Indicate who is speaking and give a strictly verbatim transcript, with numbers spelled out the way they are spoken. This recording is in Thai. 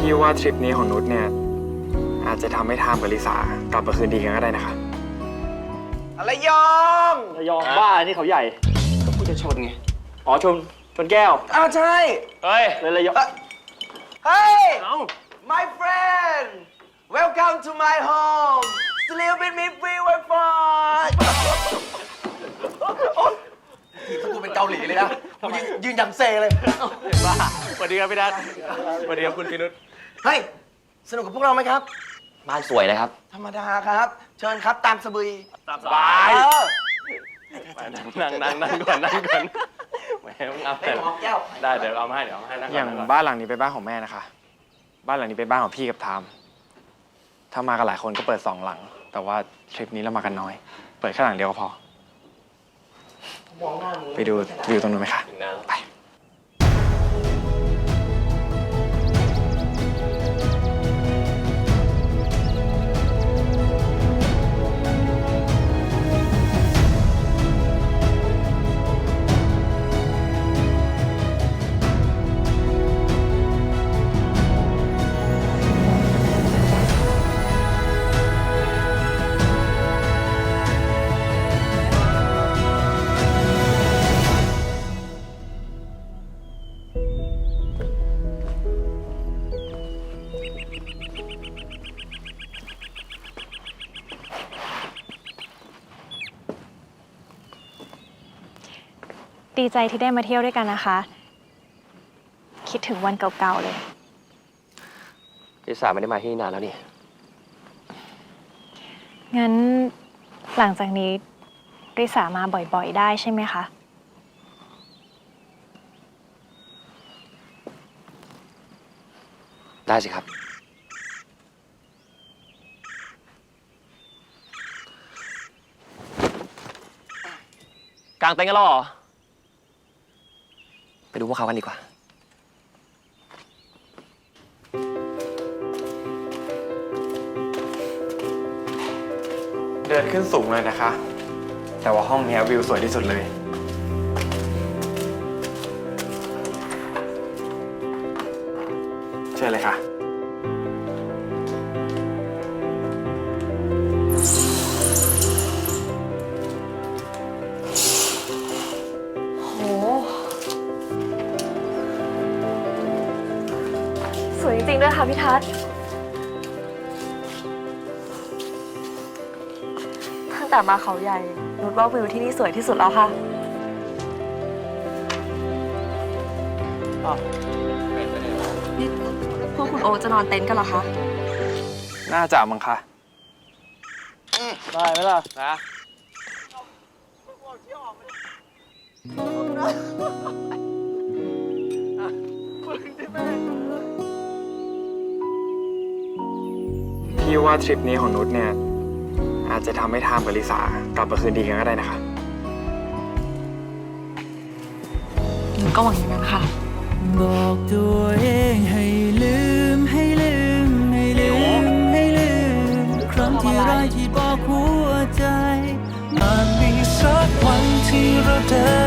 Speaker 1: พี่ว่าทริปนี้ของนุชเนี่ยอาจจะทำให้ทามกับลิสากลับมาคืนดีกันก็ได้นะคะ
Speaker 2: อะไรยอง
Speaker 3: ระยองบ้านี่เขาใหญ่
Speaker 2: ก็พูดจะชนไง
Speaker 3: อ๋อชนชนแก้ว
Speaker 2: อ้าวใช่
Speaker 3: เฮ้ยเลยระยอง
Speaker 2: เฮ้ย
Speaker 3: เอ้า
Speaker 2: my friend welcome to my home sleep with me free wifi ทีมกูเป็นเกาหลีเลยนะกูยืนยืนอย่างเซเลย
Speaker 3: บ้าสวัสดีครับพี่นัทสวัสดีครับคุณพี่นุช
Speaker 2: เฮ้ย สนุกกับพวกเราไหมครับ
Speaker 4: บ้านสวยเลยครับ
Speaker 2: ธรรมดาครับ เชิญครับตามสบาย
Speaker 3: สบาย
Speaker 2: เออ
Speaker 3: นั่งนั่งนั่งก่อนนั่งก่อนแหมมึงเอา
Speaker 2: ไอ้
Speaker 3: แต่
Speaker 2: หมอแก้ว
Speaker 3: ได้เดี๋ยวเอามาให้เดี๋ยวเอามาให้นั่งก่
Speaker 1: อย่าง
Speaker 3: นั่ก่
Speaker 1: บ้านหลังนี้เป็นบ้านของแม่นะคะ บ้านหลังนี้เป็นบ้านของพี่กับทาม ถ้ามากันหลายคนก็เปิดสองหลัง แต่ว่าทริปนี้เรามากันน้อย เปิดแค่หลังเดียวก็พอ
Speaker 2: มองหน้ามึง
Speaker 1: ไปดูวิวตรงนู้นไหมคะ ไป
Speaker 5: ดีใจที่ได้มาเที่ยวด้วยกันนะคะ คิดถึงวันเก่าๆเลย
Speaker 4: ลิสาไม่ได้มาที่นี่นานแล้วนี่
Speaker 5: งั้นหลังจากนี้ริสามาบ่อยๆได้ใช่ไหมคะ
Speaker 4: ได้สิครับ กางเต็นท์กันแล้วเหรอ ไปดูพวกเขากันดีกว่า
Speaker 1: เดินขึ้นสูงเลยนะคะ แต่ว่าห้องนี้วิวสวยที่สุดเลย เชิญเลยค่ะ
Speaker 5: โห สวยจริงๆด้วยค่ะพี่ทัศน์ตั้งแต่มาเขาใหญ่นุชว่าวิวที่นี่สวยที่สุดแล้วค่ะ นี่พวกคุณโอจะนอนเต็นท์กันเหรอคะ
Speaker 1: น่าจะมั้งคะ
Speaker 3: ได้ไหมล่ะนะ
Speaker 1: พี่ว่าทริปนี้ของนุชเนี่ยอาจจะทำให้ทามกับลิสากลับมาคืนดีกันก็ได้นะคะ
Speaker 5: หนูก็หวังอย่างนั้นค่ะ
Speaker 6: บอกตัวเองให้ลืมให้ลืมให้ลืมให้ลืมครั้งที่ไรที่บอกหัวใจอาจมีสักวันที่เราเดิน